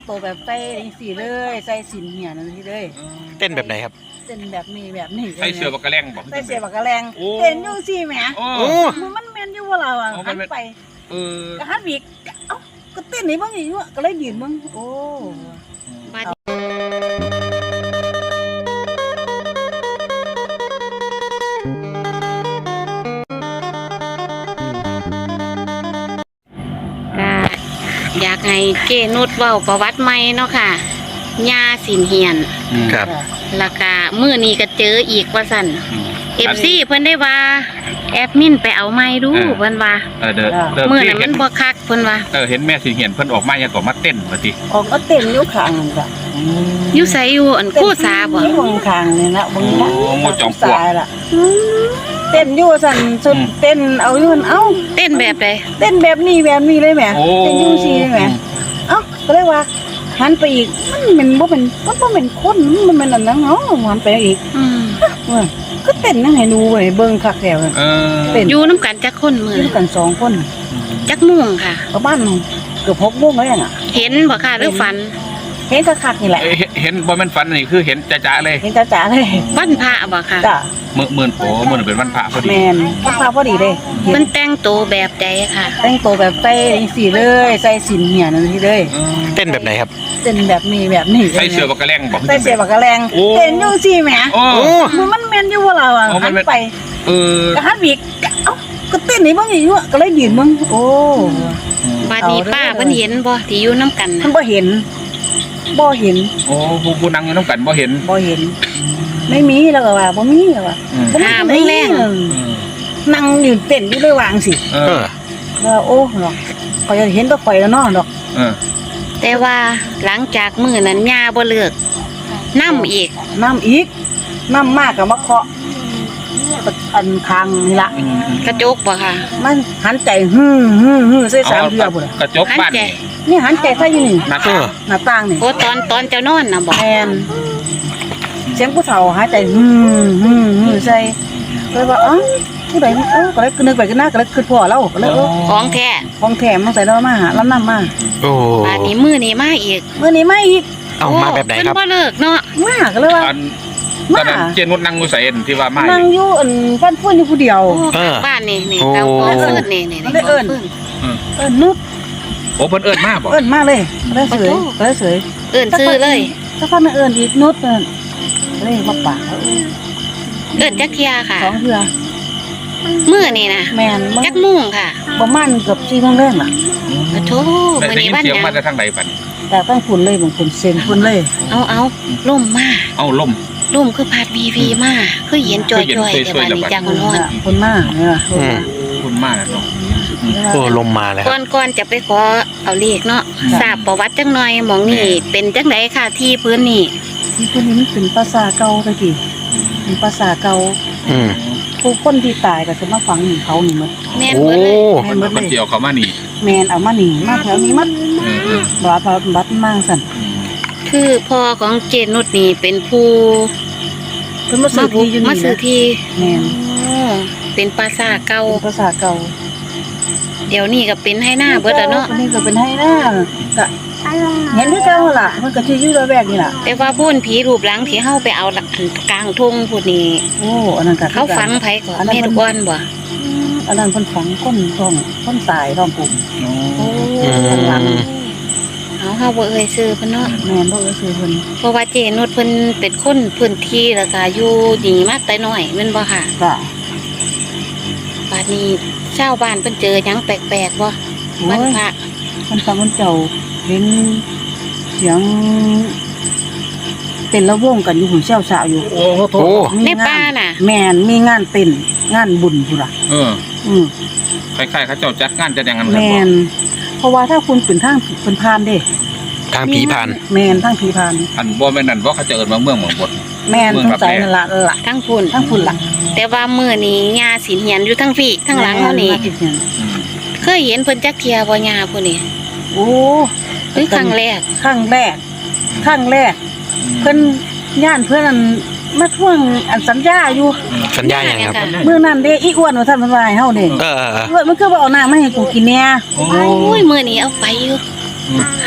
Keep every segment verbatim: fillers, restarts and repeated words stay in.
โตแบบใส่สีเลยใส่สินเหี่ยนั่นทีเลยเต้นแบบไหนครับเต้นแบบนี้แบบนี้ใส่เสื้อบักกะแรงบอกใส่เสื้อบักกะแรงเต้นอยู่สิแหมมันมันแม่นอยู่ว่าเราอ่ะหันไปเออก็หันอีกเอ้าก็เต้นนี่เบิ่งอยู่ก็เลยยืนเบิ่งโอ้บัดอยากให้เจนุชเว้าประวัติใหม่เนาะค่ะยาสินเหียนครับแล้วก็มื้อนี้ก็เจออีกว่าซั่น เอฟ ซี เพิ่นได้ว่าแอดมินไปเอาไม้ดูเพิ่นว่าเออเด้อมื้อนั้นมันบ่คักเพิ่นว่าเออเห็นแม่สิเหียนเพิ่นออกมายังก็มาเต้นว่าติออกมาเต้นอยู่ข้างนั่นจ้ะอยู่ไสอยู่อันคู่สาบ่อยู่ข้างนี่นะเบิ่งนะหมดจอมปลวกล่ะเต้นอยู่สั่นสุดเต้นเอาอยู่เอ้าเต้นแบบใดเต้นแบบนี้แบบนี้เลยแหมเต้นอยู่ซี่แหมเอ้าก็เลยว่าหันไปอีกมันมันบ่เป็นมันบ่เป็นคนมันมันอันนั้นเนาะหันไปอีกอืมก็เต้นนั่งให้ดูเว้ยเบิ่งคักแถวเออเต้นอยู่นำกันจักคนมื้ออยู่กันสองคนจักโมงค่ะประมาณเกือบหกโมงแล้วอ่ะเห็นบ่ค่ะหรือฝันเห็นคักๆนี่แหละเห็นบ่แม่นฝันนี่คือเห็นจ๊ะๆเลยเห็นจ๊ะๆเลยวันพระบ่ค่ะจ้ะมื้อมื้อโอ้มื้อเป็นวันพระพอดีแม่นวันพระพอดีเด้มันแต่งตัวแบบใดค่ะแต่งตัวแบบใส่สีเลยใส่สินเหี่ยนั่นทีเลยเต้นแบบไหนครับเต้นแบบนี้แบบนี้ใส่เสื้อบักกะแรงบอกใส่เสื้อบักกะแรงเต้นอยู่สิแหมมันมันแม่นอยู่ว่าเราอ่ะหันไปเออก็หันอีกเอ้าก็เต้นนี่เบิ่งอยู่ก็เลยยืนเบิ่งโอ้บัดนี้ป้าเพิ่นเห็นบ่ที่อยู่นำกันเพิ่นบ่เห็นบ่เห็นโอ้ผู้ผู้นั่งอยู่นำกันบ่เห็นบ่เห็นไม่มีแล้วก็ว่าบ่มีแล้วว่าบ่มีไม่แรงนั่งอยู่เต้นอยู่เลยวางสิเออแล้วโอ้เนาะข่อยจะเห็นตัวข่อยแล้วเนาะดอกเออแต่ว่าหลังจากมื้อนั้นย่าบ่เลิกนำอีกนำอีกนำมากก็มาเคาะอันคางนี่ล่ะกระจกบ่ค่ะมันหันใจฮึฮึๆๆใส่สามเทื่อพุ่นกระจกบ้านนี่นี่หันใจใส่อยู่นี่หน้าต่างหน้าต่างนี่โอ้ตอนตอนเจ้านอนน่ะบ่แม่นเสียงผู้เฒ่าหายใจฮึฮึๆใส่เลยว่าอ๋อผู้ใดเออก็เลยนึกไปขึ้นหน้าก็เลยคิดพ่อเราก็เลยเออของแท้ของแท้มันใส่เรามาหาล้ำนำมาโอ้บัดนี้มื้อนี้มาอีกมื้อนี้มาอีกเอามาแบบไหนครับเพิ่นบ่เลิกเนาะมาก็เลยว่าตอนนั้นเจนุชนั่งอยู่ไสที่ว่ามานั่งอยู่อันบ้านฟื้นอยู่ผู้เดียวบ้านนี่นี่เตาฟื้นนี่นี่ๆเอิ้นเอิ้นนุชโอ้เพิ่นเอิ้นมาบ่เอิ้นมาเลยเลยเสยเลยเสยเอิ้นชื่อเลยถ้าพักเอิ้นอีกนุชเอิ้นเลยมาปากเอิ้นจักเที่ยค่ะสองเทื่อมื้อนี่นะแม่นจักโมงค่ะประมาณเกือบสี่โมงแรงล่ะโอ้โธ่มื้อนี้วันหยังเสียงมาจากทางใดบัดแต่ตั้งฝุ่นเลยบางคนเซ็งฝุ่นเลยเอาๆล่มมาเอาล่มล่มคือพัดวีวีมาคือเย็นจ่อยๆแต่ว่านี่จังฮ้อนฝุ่นมาเนี่ยฝุ่นมาเนาะโอ้ลมมาแล้วก่อนๆจะไปขอเอาเลขเนาะทราบประวัติจังหน่อยหม่องนี่เป็นจังได๋ค่ะที่พื้นนี่ที่พื้นนี้มันเป็นปราสาทเก่าตะกี้เป็นปราสาทเก่าอืมผู้คนที่ตายก็จะมาฝังนี่เขานี่หมดแม่นเบิดเลยแม่นเบิดเลยเกี่ยวเขามานี่แม่นเอามานี่มาแถวนี้มัดบ่ว่าบัดมาซั่นคือพ่อของเจนุชนี่เป็นผู้เพิ่นมาซื้อที่อยู่นี่มาซื้อที่แม่นเป็นปราสาทเก่าปราสาทเก่าเดี๋ยวนี้ก็เป็นให้หน้าเบิดแล้วเนาะนี่ก็เป็นให้หน้าก็เห็นคือเก่าล่ะมันก็สิอยู่ระแวกนี่ล่ะแต่ว่าพูนผีรูปหลังที่เฮาไปเอากลางทุ่งพูดนี่โอ้อันนั้นก็เขาฝังไผก่อนแม่ทุกวันบ่อันนั้นเพิ่นฝังคนท้องคนตายท้องปุ่มโอ้หลังเอาเฮาบ่เอ่ยชื่อเพิ่นเนาะแม่นบ่เอ่ยชื่อเพิ่นเพราะว่าเจนุชเพิ่นเป็นคนพื้นที่แล้วก็อยู่นี่มาแต่น้อยแม่นบ่ค่ะจ้ะบัดนี้ชาวบ้านเพิ่นเจอหยังแปลกๆบ่มันพระมันฟังมันเจ้าเห็นเสียงเต้นระวงกันอยู่หุ่นเชี่ยวสาวอยู่โอ้โหในป่าน่ะแม่นมีงานเต้นงานบุญพุ่นล่ะเอออือคล้ายๆเขาเจ้าจัดงานจัดอย่างนั้นแม่นเพราะว่าถ้าคุณเป็นทางเป็นพานเด้ทางผีพานแม่นทางผีพานอันบ่แม่นนั่นบ่เขาจะเอิ้นว่าเมืองเมืองบดแม่นทางใจนั่นล่ะล่ะทางพุ่นทางพุ่นล่ะแต่ว่ามื้อนี้ย่าสิเหียนอยู่ทางพี่ทางหลังเฮานี่เคยเห็นเพิ่นจักเที่ยบ่ย่าผู้นี้โอ้คือครั้งแรกครั้งแรกครั้งแรกเพิ่นย่านเพิ่นอันมาทวงอันสัญญาอยู่สัญญาหยังครับมื้อนั้นเด้อีอ้วนว่าซั่นเพิ่นว่าให้เฮาเด้เออๆมันคือบ่เอาน้ำมาให้กูกินแน่โอ้ยมื้อนี้เอาไปอยู่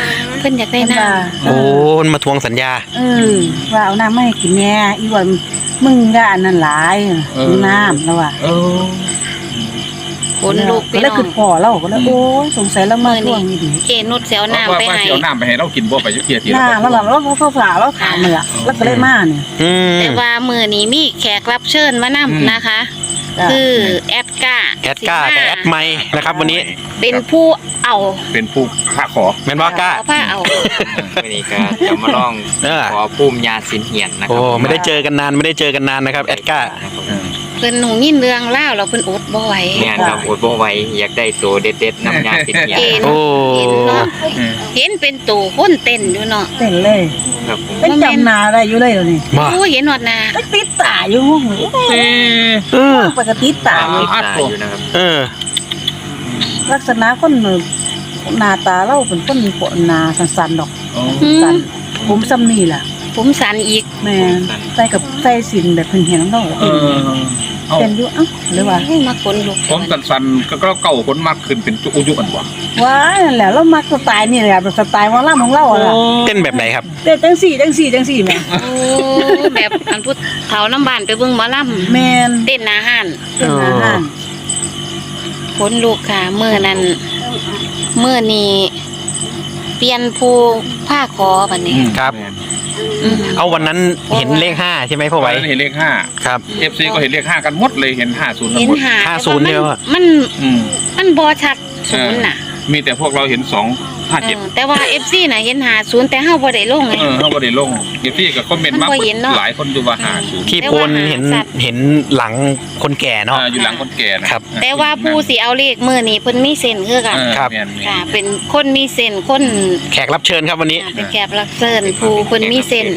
พิ่นอยากได้เพิ่นน้ว่าโอ้มันมาทวงสัญญาเออว่าเอาน้ำมาให้กินแน่อีว่ามึงก็อันนั้นหลายดูน้ำแล้วว่าเออำคนลูกพี่แล้วน้อคืงอพอเราก็เลยโอ้ยสงสัยเรามาทวงนี่ดีเจนุชเสียวว่าน้ำไปว่าให้สิเอาน้ำไปให้เรากินบ่ไปเที่ยวที่หน้าแล้วเราเราเขาฝาเราถามมันล่ะแล้วก็เลยมาเนี่ยอืมแต่ว่ามือนี้มีแขกรับเชิญมานำนะคะ คือแอดกาแอดก้ากับแอดไมค์นะครับ วันนี้เป็นผู้เอาเป็นผู้พระขอแม่นว่าก้าเอาผ้าเอาวันนี้ก็จะมาลองเออขอภูมิยาสินเหียนนะคโอ้รับไม่ได้เจอกันนานไม่ได้เจอกันนานนะครับแอดก้าเพิ่นหนูยินเรื่องเล่าวแล้วเพิ่นอดบ่ไหวงานครับอดบ่ไหวอยากได้ตัวเด็ดๆน้ำยาสินเหียนเห็นโอ้เห็นเนาะเห็นเป็นตู่คนเต้นอยู่เนาะเต้นเลยครับผมเป็นจำนาได้อยู่เลยเดี๋ยวนี้มาโอ้เห็นหอดหนาไปติดตาอยู่ห้องเลยเออเออปกติตาอยู่ติดตาอยู่นะครับเออลักษณะคนหน้าตาเราเป็นคนปวดหน้าสันๆดอกอ๋อสันผมซ้ำนี่ล่ะผมสันอีกแม่ใส่กับใส่สินแบบเพิ่นเห็นน้ำเราเออเอาเป็นอยู่เอ้าเลยว่าให้มาคนลูกผมสันๆก็เก่าคนมากขึ้นเป็นจุอุยุอันบ่ว้ายนั่นแหละเรามักสไตล์นี่แหละแบบสไตล์หมอลำของเราอะล่ะเต้นแบบไหนครับเต้นจังสี่จังสี่จังสี่แม่โอ้แบบอันพูดเฒ่าน้ำบานไปเบิ่งหมอลแม่นำเต้นหนาห้านเต้นอาหารคนลูกค่ะมื้อนั้นมื้อนี้เปลี่ยนผู้ผ้าคอบัดนี้ครับอืมเอาวันนั้นเห็นเลขห้าใช่ไหมพ่อไว้ไว้เห็นเลขห้าครับเอฟซีก็เห็นเลขห้ากันหมดเลยเห็นห้าศูนย์กันเห็นหมดหาห้าศูนย์เนี่ยว่ะมันอืมมันบ่ชัดศูนย์น่ะมีแต่พวกเราเห็นสองห้าเอเจ็ดอแต่ว่า เอฟ ซี น่ะเห็นหาศูนย์แต่เฮาบ่ได้ลงไงเออเขาก็ได้ลงเอฟซีกับคอมเมนต์มามันบ่เห็นเนาะหลายคนดูว่าห้าศูนย์ที่โพนเห็นเห็นหลังคนแก่เนาะอยู่หลังคนแก่นะครับแต่ว่าผู้สิเอาเลขมื้อนี้เพิ่นมีเส้นคือกันเออครับแม่นๆค่ะ เป็นคนมีเส้นคนแขกรับเชิญครับวันนี้อ่าเป็นแขกรับเชิญผู้เพิ่นมีเส้น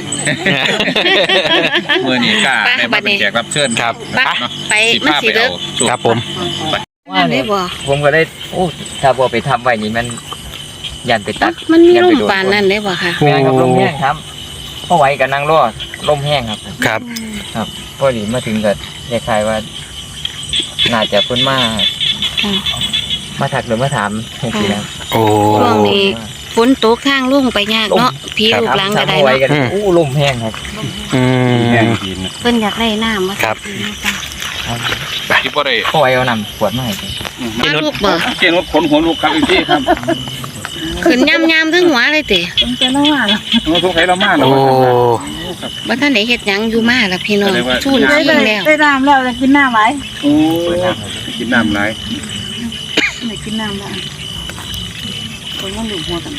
เมื่อนี้กล้าไปได้มาเป็นแขกรับเชิญครับไปเนาะไปสิมันพาสิไปเด้อเอาสูตครับผมนั่นได้บ่ผมก็ได้โอ้ถ้าบ่ไปทำไว้นี่มันยันไปตัดมันมียัลไปมโดปานนั้นได้บ่ค่ะแม่นครับลมแห้งครับพอไหวกับนั่งรอลมแห้งครับครับครับพอดีมาถึงก็คล้ายๆว่า น่าจะเพิ่นมาอืมมาทักหรือมาถามจังซี่นะโอ้ช่วงนี้ฝนตกทางลงไปยากเนาะพี่ลูกหลังก็ได้ถามพอไหวเนาะกันอู้ลมแห้งครับอืมเพิ่นอยากได้น้ำมาครับที่บ่ได้พอไหวเอานำขวดมาให้กันมาลูกบ่เจนว่าขนหัวลูกครับอีกที่ครับขึ้นยำๆถึงหัวเลยติต้องเจอแล้วว่าล่ะมันสงสัยเรามากเลโอ้ยบ่ทันได้เฮ็ดหยังอยู่มาล่ะพี่น้องแสดงว่าชูนได้ชิได้งแล้วได้น้ำแล้วจะกินน้ำไหมโอ้กินน้ำไรได้กินน้ำแล้วคนก็หลุดหัวกัน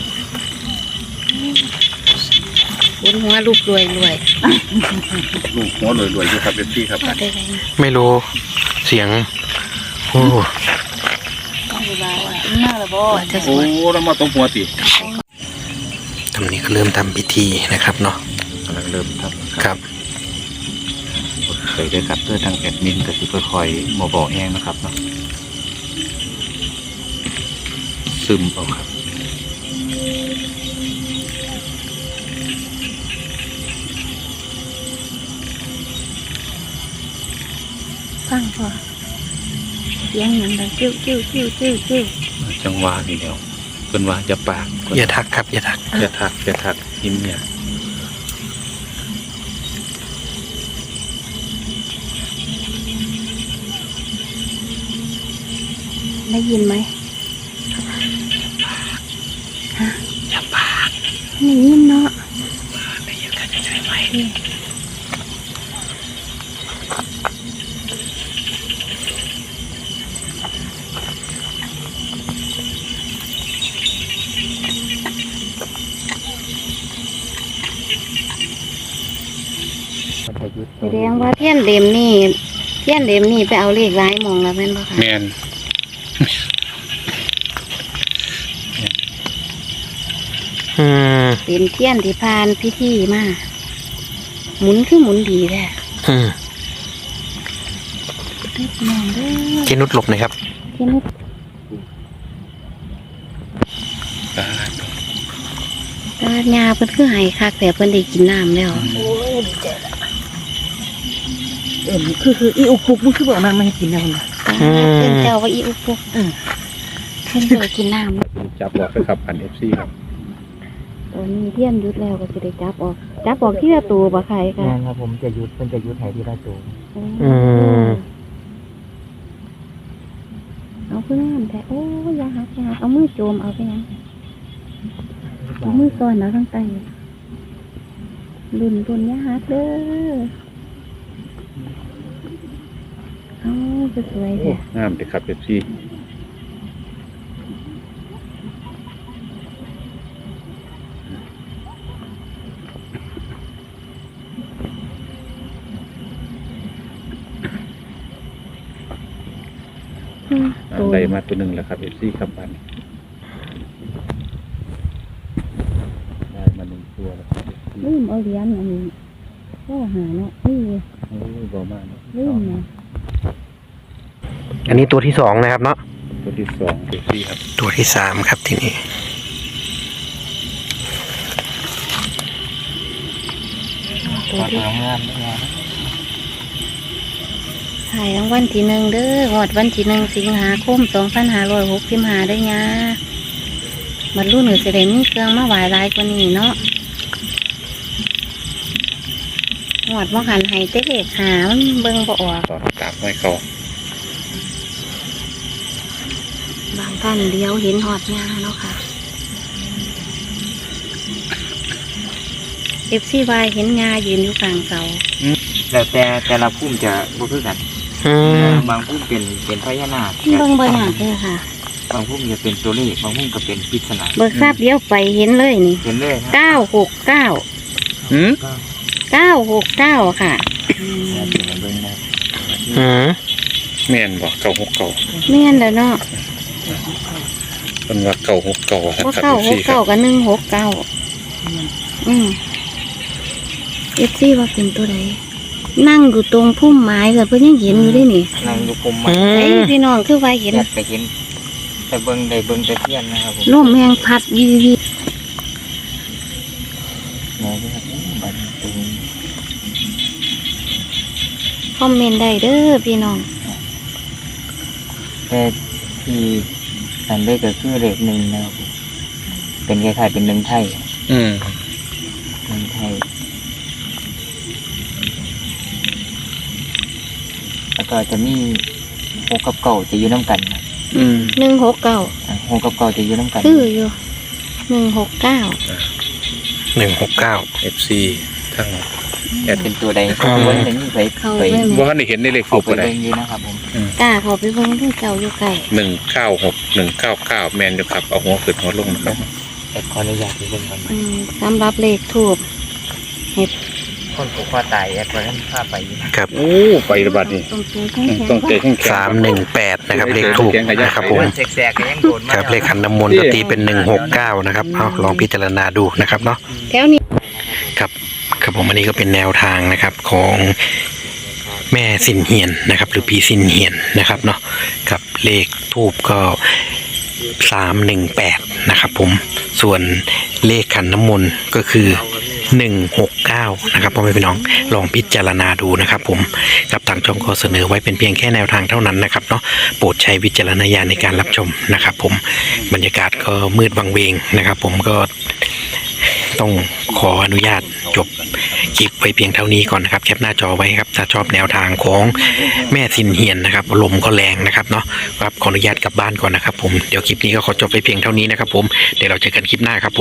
บนหัวลูกรวยรวยลูกหัวรวยๆอยู่ครับเอฟซีครับได้ไรนะไม่รู้เสียงโอ้ต้องดูแลว่าหน้าละบ่ว่าจะสโอ้วยแล้วมาตบหัวติตอนนี้ก็เริ่มทำพิธีนะครับเนาะกำลังเริ่มครับครับเคยได้ครับเพื่อทางแอดมินก็สิคอยมาบอกแห้งนะครับเนาะซึมเอาครับฟังพอเสียงหยังดังจิ้วจิ้วจิ้วจิ้วจิ้วจังหวะนี่เดียวเป็นว่าจะปากอย่าทักครับอย่าทักอย่าทักอย่าทักยิ้มเนี่ยได้ยินไหมฮะได้ยินเนาะแสดงว่าเทียนเดมนี่เทียนเดมนี่ไปเอาเลขหลายหมองแล้วแม่นบ่คะแมนอืมเป็นเทียนที่ผ่านพิธีมาหมุนคือหมุนดีแท้อืมมองเด้อเจนุชหลบหน่อยครับเทียนนี่ตาญาเพิ่นคือให้คักแต่เพิ่นได้กินน้ำแล้วโอ้ยดีใจละเอ็มคือคืออีอุปุกมันคือบอกมันไม่ให้กินแล้วนะอืมเพิ่นเจ้าว่าอีอุปุกเออเพิ่นได้กินน้ำจับบอกไปครับพันเอฟซีครับตอนนี้เทียนหยุดแล้วก็สิได้จับออกจับออกที่ละตัวบ่ใครค่ะงานครับผมจะหยุดมันจะหยุดหายทีละตัวอืมเอาเพื่อนแต่โอ้ยอยาหักอยาหักเอามือโจมเอาไปยังเอามือซ่อนเอาทั้งไตลุ่นลุ่นอยาหักเด้อเอาสวยๆโอ้แท้งามเด็กครับเอฟซีอืมตัวได้มาตัวหนึ่งแล้วครับเอฟซีครับบันได้มาหนึ่งตัวแล้วครับ เอฟซีลืมเอาเหรียญอันนี้ก็หาเนาะนี่โอ้ยบ่มากเนอะลืมเนาะอันนี้ตัวที่สองนะครับเนาะตัวที่สองเอฟซีครับตัวที่สามครับที่นี่ตัวที่ทำงานงานถ่ายรางวัลที่หนึ่งเด้อหอดวันที่หนึ่งสิงหาคมสองพันห้าร้อยหกสิบห้าได้ยาบรรลุหนูจะได้มีเครื่องมาไหวหลายกว่านี้เนาะหอดว่าหันให้เจ๊เล็กหามันเบิ่งบ่ออกตอนกราบให้เขาบางท่านเดียวเห็นหอดยาเนาะค่ะเอฟซีวายเห็นยายืนอยู่กลางเสาแล้วแต่แต่ละพุ่มจะบ่คือกันอืมบางพุ่มเป็นเป็นพญานาคเบิ่งบ่อยากเลยค่ะบางพุ่มจะเป็นตัวเลขบางพุ่มก็เป็นปริศนาเบิกทราบเดียวไปเห็นเลยนี่เห็นเลยนะเก้าหกเก้าหืมเก้าหกเก้าค่ะแล้วเป็นเบิ่งได้อืมแม่นบ่เก่าหกเก่าแม่นแล้วเนาะเป็นว่าเก่าหกเก่าครับว่าครับเก้าเอฟหซีกครัเก้าบกับหนึ่งหกเก้าอืมเอฟซีว่าเป็นตัวใดนั่งอยู่ตรงพุ่มไม้เลยเพื่อนยังเห็นอยู่ด้วยนี่นั่งอยู่พุ่มไม้อืไอ้ยมพี่น้องคือว่าเห็นอยากไปเห็นแต่เบิ่งได้เบิ่งแต่เทียนนะครับผมลมแหงพัดวีวีมองด้วยครับบัดตรงคอมเมนต์ได้เด้อพี่น้องแต่ที่สันได้ก็คือเลขหนึ่งนะครับผมเป็นคล้ายๆเป็นหนึ่งไทยอืมหนึ่งไทยแล้วก็จะมีหกกับเก่าจะอยู่น้ำกันนะอืมหนึ่งหกเก้าอ่ะหกกับเก่าจะอยู่น้ำกันคืออยู่หนึ่งหกเก้าหนึ่งหกเก้าเอฟซีทั้งแอดเป็นตัวใดอืมวันนี้มีไปเข้าไปไปไหมว่าได้เห็นในเลขเขาถูกไปอะไรเบิ่งอยู่นะครับผมกล้าเขาไปเบิ่งที่เจ้าอยู่ไกลหนึ่งเก้าหกหนึ่งเก้าเก้าแมนอยู่ครับเอาหัวขึ้นหัวลงนะครับแอดขออนุญาตไปเบิ่งก่อนอืมสำหรับเลขถูกคนผูกคอตายแอดวันนั้นพาไปอยู่ครับโอ้ไประบาดนี่ต้องเจอแข็งแข็งต้องเตะแข้งแข็งสามหนึ่งแปดนะครับ เลขถูกนะครับผมแสกๆก็ยังโดนมาครับเลขขันน้ำมนต์ก็ตีเป็นหนึ่งหกเก้านะครับเอาลองพิจารณาดูนะครับเนาะแถวนี้ครับครับผมอันนี้ก็เป็นแนวทางนะครับของแม่สินเฮียนนะครับ หรือพี่สินเฮียนนะครับเนาะกับเลขทูบก็สามหนึ่งแปดนะครับผมส่วนเลขขันน้ำมนต์ก็คือหนึ่งหกเก้านะครับพ่อแม่พี่น้องลองพิจารณาดูนะครับผมกับทางช่องก็เสนอไว้เป็นเพียงแค่แนวทางเท่านั้นนะครับเนาะโปรดใช้วิจารณญาณในการรับชมนะครับผมบรรยากาศก็มืดวังเวงนะครับผมก็ต้องขออนุญาตจบคลิปไว้เพียงเท่านี้ก่อนนะครับแคปหน้าจอไว้ครับถ้าชอบแนวทางของแม่สินเฮียนนะครับลมก็แรงนะครับเนาะครับขออนุญาตกลับบ้านก่อนนะครับผมเดี๋ยวคลิปนี้ก็ขอจบไปเพียงเท่านี้นะครับผมเดี๋ยวเราเจอกันคลิปหน้าครับผม